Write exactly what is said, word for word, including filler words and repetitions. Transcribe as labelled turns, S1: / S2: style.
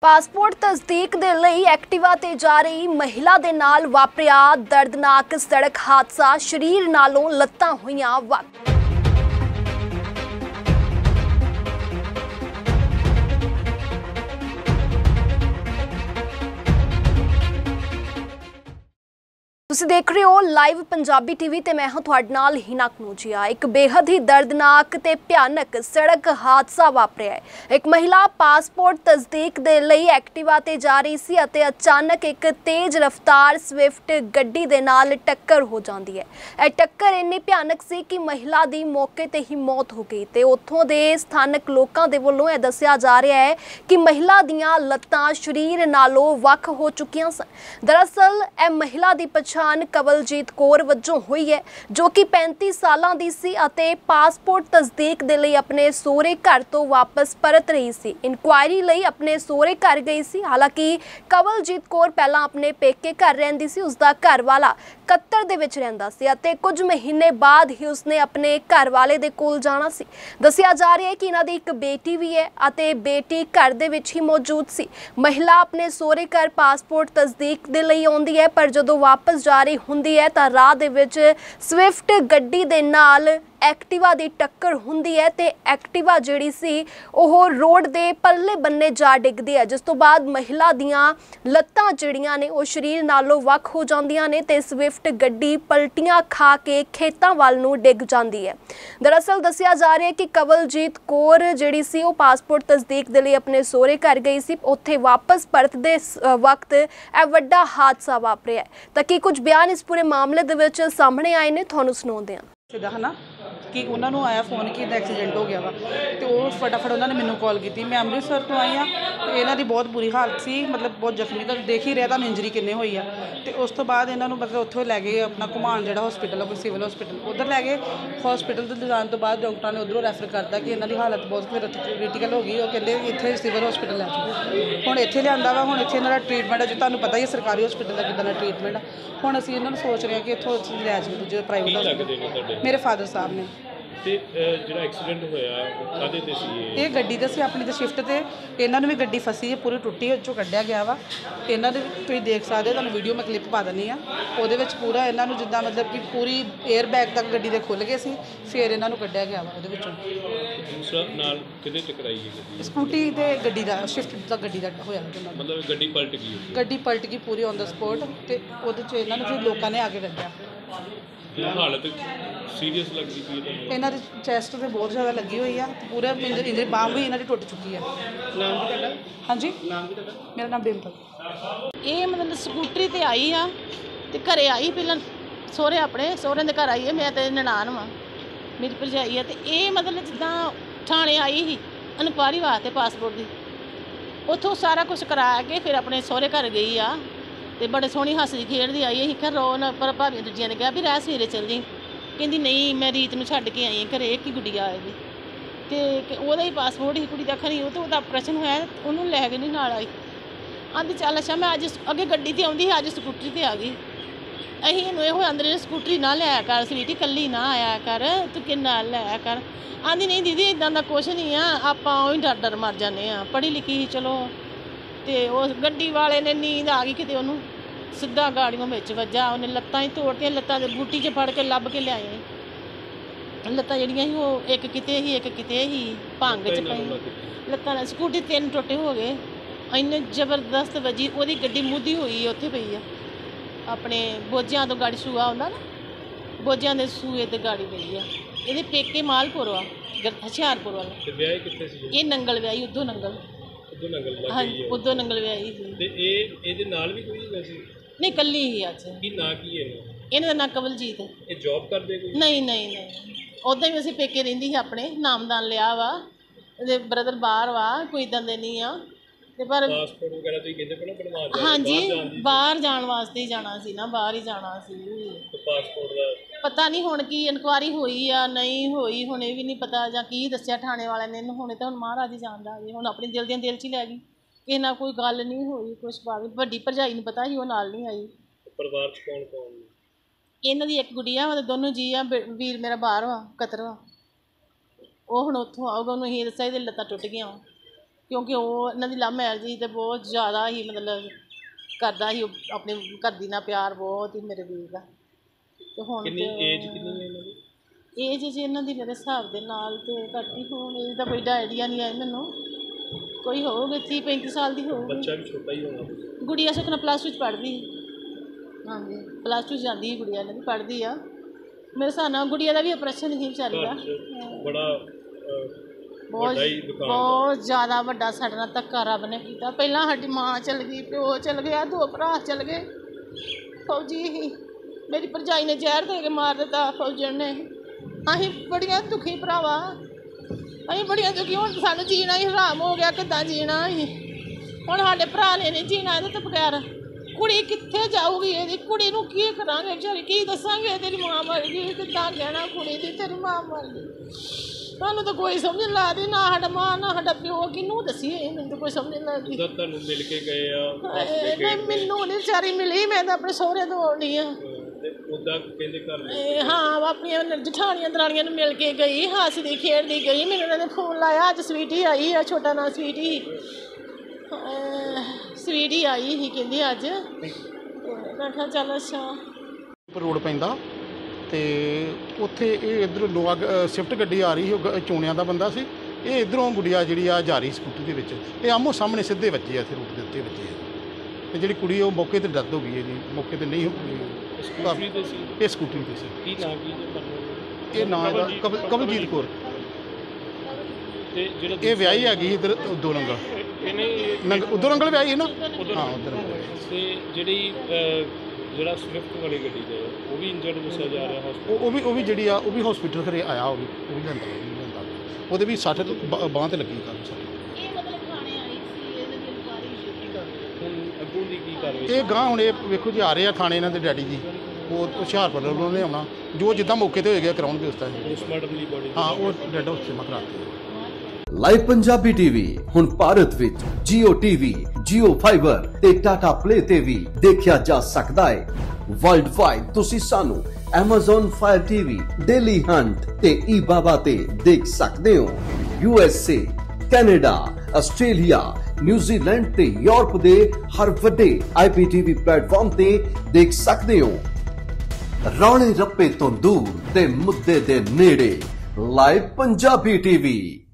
S1: Passport तस्दीक दे लई Activa ते जा रही महिला दे नाल वापरिया दर्दनाक सड़क हादसा, शरीर नालों लत्तां होईयां वक्त। ਤੁਸੀਂ देख रहे हो लाइव पंजाबी टीवी ते मैं हाँ तुहाडे नाल हिना कनूजिया। एक बेहद ही दर्दनाक ते भयानक सड़क हादसा वापरिया है। एक महिला पासपोर्ट तस्दीक दे लई एक्टिवा ते जा रही सी अते अचानक एक तेज रफ्तार स्विफ्ट गड्डी दे नाल टक्कर हो जाती है। यह टक्कर इन्नी भयानक सी कि महिला दी मौके ते ही मौत हो गई ते उत्थों दे स्थानक लोकां दे वल्लों यह दस्सिया जा रहा है कि महिला दियां लत्तां शरीर नालों वख हो चुकियां सन। दरअसल यह महिला दी पछाण कवलजीत कौर वजों हुई है, जो कि पैंती सालां दी सी अते पासपोर्ट तस्दीक दे लई अपने सोहरे घर तो वापस परत रही सी। इनकुआयरी लई अपने सोहरे घर गई सी। हालांकि कवलजीत कौर पहलां अपने पेके घर रहिंदी सी, उसदा घर वाला कत्तर दे विच रहिंदा सी अते कुछ महीने बाद ही उसने अपने घर वाले दे कोल जाना सी। दस्सिया जा रहा है कि इन्हां दी एक बेटी भी है अते बेटी घर दे विच ही मौजूद सी। महिला अपने सोहरे घर पासपोर्ट तस्दीक दे लई आउंदी है, पर जदों वापस जा रही हुंदी है तां राह दे विच स्विफ्ट गड्डी दे नाल एक्टिवा दी टक्कर हुंदी है ते एक्टिवा जिहड़ी सी ओह रोड दे परले बन्ने जा डिगदी है, जिस तो बाद महिला दियां लत्तां जिहड़ियां ने ओह शरीर नालों वख हो जांदियां ने ते स्विफ्ट गड्डी पलटियां खा के खेतां वल नूं डिग जांदी है। दरअसल दस्सिया जा रहा है कि कवलजीत कौर जिहड़ी सी ओह पासपोर्ट तस्दीक दे लई अपने सोहरे घर गई सी। उत्थे वापस परतदे वक्त यह वड्डा हादसा वापरिया है। तां कि कुछ बयान इस पूरे मामले दे विच सामने आए ने, तुहानूं सुणाउंदे हां।
S2: सीधा है ना कि उन्होंने आया फोन कि एक्सीडेंट हो गया वा तो वो फटाफट उन्होंने मैनू कॉल की। मैं अमृतसर तो आई हाँ, तो इन्हों की बहुत बुरी हालत सी, मतलब बहुत जख्मी तो देख ही रहा तुहानूं इंजरी किन्नी हुई है। तो उस तो बाद इन्हों मतलब उत्थों लै गए अपना घुमान जो हॉस्पिटल है कोई सिविल हॉस्पिटल, उधर लै गए। हॉस्पिटल तो जाने तो बाद डॉक्टर ने उधरों रैफर करता कि इन्हों की हालत बहुत फिर क्रिटिकल हो गई। वो कहते इतने सिविल हॉस्पिटल लै जाओ। हुण इत्थे लिआंदा वा, हुण इत्थे इन्हों ट्रीटमेंट है जो तुहानूं पता ही सरकारी हॉस्पिटल का कितना ट्रीटमेंट है। हुण असीं इन्हों सोच रहे हैं कि इत्थों लै जाओ दूजे प्राइवेट हॉस्पिटल। मेरे फादर साहब ने
S3: एक्सीडेंट होया काहदे ते सी
S2: ये गड्डी ते सी अपनी ते शिफ्ट ते इन्हां नूं भी गड्डी फसी है, पूरी टुट्टी चों कड्ढिया गया वा। इन्हां दे तुसीं देख सकदे हो, तुहानूं वीडियो मैं क्लिप पा दिंदी आ। उहदे विच पूरा इन्हां नूं जिद्दां मतलब कि पूरी एयर बैग तक गड्डी दे खुल गए सी, फिर इन्हां नूं कड्ढिया गया वा उहदे विचों।
S3: दूसरा नाल किहदे टकराई है गड्डी?
S2: स्कूटी ते गड्डी दा शिफ्ट दा गड्डी दा होया
S3: मतलब गड्डी पलट गई
S2: गड्डी पलट गई पूरी ऑन द स्पॉट ते उहदे च इन्हां नूं फिर लोकां ने आके कड्ढिया।
S3: हालत सीरीयस लगदी पई है?
S2: इन्हां दी चैस्ट ते बहुत ज़्यादा लगी हुई है, पूरे इंजरी इंजरी बांह भी इन्हां दी टुट चुकी है।
S3: नाम की तुहाडा?
S2: हाँ जी,
S3: नाम की तुहाडा?
S2: मेरा नाम डिम्पल।
S4: ये मतलब स्कूटरी ते आई हाँ ते घरे आई, पहला सोहरे अपने सोहरे दे घर आई है। मैं ते ननान वां, मेरी भरजाई है। तो ये मतलब जिद्दां थाने आई ही इनकुआरी वास्ते पासपोर्ट की, उत्थों सारा कुछ करा के फिर अपने सोहरे घर गई आ ते बड़े सोहनी हसदी खेडदी आई। असीं घर रोन पर भाभी दूजिया ने कहा भी राह सवेरे चल जी, कहती नहीं मैं रीत नूं छड्ड के आई घरे, एक ही गुड़िया आए दी ते ओहदा ही पासपोर्ट ही कुड़ी दा खरी, वो तो ओहदा ऑपरेशन होया उन्होंने लै के नहीं नाल आई। आंदी चल अच्छा मैं अज अगे गड्डी ते आउंदी अज स्कूटरी ते आ गई। असीं इहनूं इहो आंदे स्कूटरी ना लिया कर स्वीटी, कल्ली ना आया कर, तू कि नाल लिया कर। आंदी नहीं दीदी इदां दा कुछ नहीं आ, आपां उही डर डर मर जाने आ, पढ़ी लिखी ही चलो। तो उस गड्डी वाले ने नींद आ गई कि उन्होंने सीधा गाड़ियों में वजा, उन्हें लत्तां ही तोड़तियां, लत्तां दे बूटी च फड़ के लभ के लियाए। लत्तां जड़ियां ही वो एक किते ही एक किते ही भंग च पई लत्तां। स्कूटी तीन टुटे हो गए, इन्ने जबरदस्त वजी। वो गड्डी मुद्दी हुई है उत्थे पई है अपने बोझियां तो गाड़ी सूआ आउंदा ना, बोझियां दे सूए ते गाड़ी पई है। ये पेके मालपुर वा हुशियारपुर वाला, ये नंगल व्याही उद्धों नंगल। हाँ उद्धों नंगल व्याही सी। नहीं कल्ली ही अज। इन्हां दा नाम कवलजीत है।
S3: ये जॉब करदे कोई?
S4: नहीं नहीं नहीं, उदां ही असीं पेके रहिंदी ही अपने, नामदान लिया वा, इहदे ब्रदर बाहर वा, कोई इदां दे नहीं आ ते पर
S3: पासपोर्ट वगैरह तुसीं कहंदे पए ना बनवा।
S4: हाँ जी, बाहर जाण वास्ते ही जाना सी ना, बाहर ही जाना सी।
S3: तो पासपोर्ट दा
S4: पता नहीं हुण की इनकुआरी होई आ नहीं होई, हुण ये भी नहीं पता जां की दस्सिया थाणे वाले ने। हुणे तो हुण महाराज ही जानदा, हुण अपनी दिल दियां दिल च ही लै गई। किसे नाल कोई गल नहीं हुई, कुछ बात वड्डी भरजाई नूं पता ही, वो नाल नहीं आई।
S3: परिवार च कौन कौन?
S4: इन्हां दी एक गुड़िया वा, दोनों जी आ, वीर मेरा बाहर वा कतर वा। वो हुण उत्थों आऊगा, उन्होंने ही दस्सिया इहदी लत्तां टुट गईयां वा। ਕਿਉਂਕਿ ਉਹ ਇਹਨਾਂ ਦੀ ਲਵ ਮੈਰਿਜ ਸੀ ਤੇ ਬਹੁਤ ਜ਼ਿਆਦਾ ਹੀ ਮਤਲਬ ਕਰਦਾ ਸੀ ਆਪਣੇ ਘਰ ਦੀ ਨਾਲ ਪਿਆਰ ਬਹੁਤ ਹੀ ਮੇਰੇ ਵੀਰ ਦਾ। ਤੇ ਹੁਣ
S3: ਕਿੰਨੀ ਏਜ ਕਿੰਨੀ ਹੈ ਇਹਨਾਂ ਦੀ?
S4: ਏਜ ਜੀ ਇਹਨਾਂ ਦੀ ਮੇਰੇ ਹਿਸਾਬ ਦੇ ਨਾਲ ਤੇ ਘੱਟ ਹੀ ਹੋਣ, ਏਜ ਦਾ ਕੋਈ ਆਈਡੀਆ ਨਹੀਂ ਹੈ ਮੈਨੂੰ, ਕੋਈ ਹੋਊਗੀ ਤੀਹ ਪੈਂਤੀ ਸਾਲ ਦੀ ਹੋਊਗੀ।
S3: ਬੱਚਾ ਵੀ ਛੋਟਾ ਹੀ ਹੋਣਾ।
S4: ਗੁੜੀਆ ਸੁਖਨਾ ਪਲੱਸ ਟੂ 'ਚ ਪੜ੍ਹਦੀ। ਹਾਂਜੀ ਪਲੱਸ ਟੂ 'ਚ ਜਾਂਦੀ ਸੀ ਗੁੜੀਆ, ਇਹਨਾਂ ਦੀ ਪੜ੍ਹਦੀ ਆ। ਮੇਰੇ ਹਿਸਾਬ ਨਾਲ ਗੁੜੀਆ ਦਾ ਵੀ ਆਪਰੇਸ਼ਨ ਹੀ ਵਿਚਾਰੀ ਦਾ।
S3: ਬੜਾ
S4: ਬਹੁਤ ਬਹੁਤ ਜ਼ਿਆਦਾ ਵੱਡਾ ਸਾਡੇ ਨਾਲ ਧੱਕਾ ਰੱਬ ਨੇ ਕੀਤਾ। ਪਹਿਲਾਂ ਸਾਡੀ ਮਾਂ ਚਲ ਗਈ, ਪਿਓ ਚਲ ਗਿਆ, ਦੋ ਭਰਾ ਚਲ ਗਏ। ਫੌਜੀ ਹੀ ਮੇਰੀ ਭਰਜਾਈ ਨੇ ਜ਼ਹਿਰ ਦੇ ਕੇ ਮਾਰ ਦਿੱਤਾ ਫੌਜਣ ਨੇ। ਅਸੀਂ ਬੜੀਆਂ ਦੁਖੀ ਭਰਾਵਾ, ਅਸੀਂ ਬੜੀਆਂ ਦੁਖੀ। ਹੁਣ ਸਾਨੂੰ ਜੀਣਾ ਹੀ ਹਰਾਮ ਹੋ ਗਿਆ, ਕਿੱਦਾਂ ਜੀਣਾ ਅਸੀਂ ਹੁਣ? ਸਾਡੇ ਭਰਾ ਨੇ ਨਹੀਂ ਜੀਣਾ ਇਹਦੇ ਤੋਂ ਬਗੈਰ। ਕੁੜੀ ਕਿੱਥੇ ਜਾਊਗੀ? ਇਹਦੀ ਕੁੜੀ ਨੂੰ ਕੀ ਕਰਾਂਗੇ ਵਿਚਾਰੀ, ਕੀ ਦੱਸਾਂਗੇ ਤੇਰੀ ਮਾਂ ਮਰ ਗਈ, ਕਿੱਦਾਂ ਕਹਿਣਾ ਕੁੜੀ ਦੀ ਤੇਰੀ ਮਾਂ ਮਰ ਗਈ? ਸਾਨੂੰ ਤਾਂ ਕੋਈ ਸਮਝ ਨਹੀਂ ਲੱਗਦੀ, ਨਾ ਸਾਡਾ ਮਾਂ ਨਾ ਸਾਡਾ ਪਿਓ, ਕਿਹਨੂੰ ਦੱਸੀਏ? ਮੈਨੂੰ ਤਾਂ ਕੋਈ ਸਮਝ ਨਹੀਂ ਲੱਗਦੀ।
S3: ਤੁਹਾਨੂੰ ਮਿਲ ਕੇ ਗਏ ਆ?
S4: ਨਹੀਂ ਮੈਨੂੰ ਨਹੀਂ ਵਿਚਾਰੀ ਮਿਲੀ, ਮੈਂ ਤਾਂ ਆਪਣੇ ਸਹੁਰੇ ਤੋਂ ਆਉਣੀ ਆ।
S3: ਉਦਾਂ ਕਹਿੰਦੇ ਘਰ
S4: ਹਾਂ ਆਪਣੀਆਂ ਜਠਾਣੀਆਂ ਦਰਾਣੀਆਂ ਨੂੰ ਮਿਲ ਕੇ ਗਈ, ਹੱਸਦੀ ਖੇਡਦੀ ਗਈ। ਮੈਨੂੰ ਉਹਨਾਂ ਨੇ ਫੋਨ ਲਾਇਆ, ਅੱਜ ਸਵੀਟੀ ਆਈ ਆ, ਛੋਟਾ ਨਾਂ ਸਵੀਟੀ ਸਵੀਟੀ ਆਈ ਸੀ ਕਹਿੰਦੀ ਅੱਜ। ਮੈਂ ਕਿਹਾ ਚੱਲ ਅੱਛਾ।
S5: ਰੋਡ ਪੈਂਦਾ ਤੇ ਉੱਥੇ ਇਹ ਇੱਧਰ ਲੋਕ ਸ਼ਿਫਟ ਗੱਡੀ ਆ ਰਹੀ ਸੀ, ਚੋਣਿਆਂ ਦਾ ਬੰਦਾ ਸੀ। ਇਹ ਇੱਧਰੋਂ ਗੁੜੀਆ ਜਿਹੜੀ ਆ ਜਾ ਰਹੀ ਸਕੂਟਰ ਦੇ ਵਿੱਚ, ਇਹ ਆਮੋ ਸਾਹਮਣੇ ਸਿੱਧੇ ਵੱਜੇ ਆ, ਇੱਥੇ ਰੋਡ ਦੇ ਉੱਤੇ ਵੱਜੇ ਆ। ਤੇ ਜਿਹੜੀ ਕੁੜੀ ਉਹ ਮੌਕੇ ਤੇ ਡੈਥ ਹੋ ਗਈ ਹੈ ਜੀ, ਮੌਕੇ ਤੇ ਨਹੀਂ ਹੋ ਗਈ।
S3: ਸਕੂਟਰੀ ਤੇ ਸੀ?
S5: ਇਹ ਸਕੂਟਰੀ ਤੇ ਸੀ।
S3: ਕੀ ਨਾਮ ਕੀ?
S5: ਇਹ ਨਾਂ ਇਹਦਾ ਕਬਲ ਕਬਲਜੀਤ ਕੌਰ।
S3: ਤੇ ਜਿਹੜਾ
S5: ਇਹ ਵਿਆਹੀ ਹੈਗੀ ਇੱਧਰ ਉਦੋਂ ਨੰਗਲ, ਨੰਗ ਉਦੋਂ ਨੰਗਲ ਵਿਆਹੀ ਹੈ ਨਾ? ਹਾਂ ਉਧਰ।
S3: ਤੇ ਜਿਹੜੀ ਜਿਹੜਾ ਸਵਿਫਟ ਵਾਲੀ ਗੱਡੀ ਦੇ ਉਹ ਵੀ ਇੰਜਰਡ ਦੱਸਿਆ ਜਾ ਰਿਹਾ ਹਸਪਤਾਲ?
S5: ਉਹ ਵੀ ਉਹ ਵੀ ਜਿਹੜੀ ਆ ਉਹ ਵੀ ਹਸਪੀਟਲ ਘਰੇ ਆਇਆ, ਉਹ ਵੀ ਉਹ ਵੀ ਲਿਆਂਦਾ ਉਹ ਵੀ ਲਿਆਂਦਾ ਉਹਦੇ ਵੀ ਸੱਟ ਬਾਂਹ ਤੇ ਲੱਗੀ ਗੱਲ ਸੱਟ।
S4: ਇਹ ਮਤਲਬ ਥਾਣੇ ਆਈ ਸੀ, ਇਹਨਾਂ ਦੀ ਇਨਕੁਆਇਰੀ ਸ਼ੁਰੂ ਕਰ ਦਿੱਤੀ।
S3: ਹੁਣ ਅੱਗੋਂ ਦੀ ਕੀ ਕਾਰਵਾਈ?
S5: ਇਹ ਗਾਂ ਹੁਣ ਇਹ ਵੇਖੋ ਜੀ ਆ ਰਹੇ ਆ ਥਾਣੇ ਇਹਨਾਂ ਦੇ ਡੈਡੀ ਜੀ, ਉਹ ਹੁਸ਼ਿਆਰਪੁਰ ਵੱਲੋਂ ਨੇ ਆਉਣਾ, ਜੋ ਜਿੱਦਾਂ ਮੌਕੇ ਤੇ ਹੋਏਗਾ ਕਰਾਉਣਗੇ ਉਸ ਤਰ੍ਹਾਂ।
S3: ਪੋਸਟਮਾਰਟਮ ਲਈ ਬੋਡੀ
S5: ਹਾਂ ਉਹ ਡੈਡ ਹਾਊਸ 'ਚ ਮੈਂ ਕਰਾਤੀ।
S6: ਲਾਈਵ ਪੰਜਾਬੀ ਟੀਵੀ ਹੁਣ ਭਾਰਤ ਵਿੱਚ ਜੀਓ ਟੀਵੀ, ਜੀਓ ਫਾਈਬਰ ਤੇ ਟਾਟਾ ਪਲੇ ਤੇ ਵੀ ਦੇਖਿਆ ਜਾ ਸਕਦਾ ਹੈ। ਵਰਲਡ ਵਾਈਡ ਤੁਸੀਂ ਸਾਨੂੰ Amazon Fire T V, Daily Hunt ਤੇ eBaba ਤੇ ਦੇਖ ਸਕਦੇ ਹੋ। U S A, Canada, Australia, New Zealand ਤੇ ਯੂਰਪ ਦੇ ਹਰ ਵੱਡੇ ਆਈ ਪੀ ਟੀ ਵੀ ਪਲੇਟਫਾਰਮ ਤੇ ਦੇਖ ਸਕਦੇ ਹੋ। ਰੌਲੇ ਰੱਪੇ ਤੋਂ ਦੂਰ ਤੇ ਮੁੱਦੇ ਦੇ ਨੇੜੇ, ਲਾਈਵ ਪੰਜਾਬੀ ਟੀਵੀ।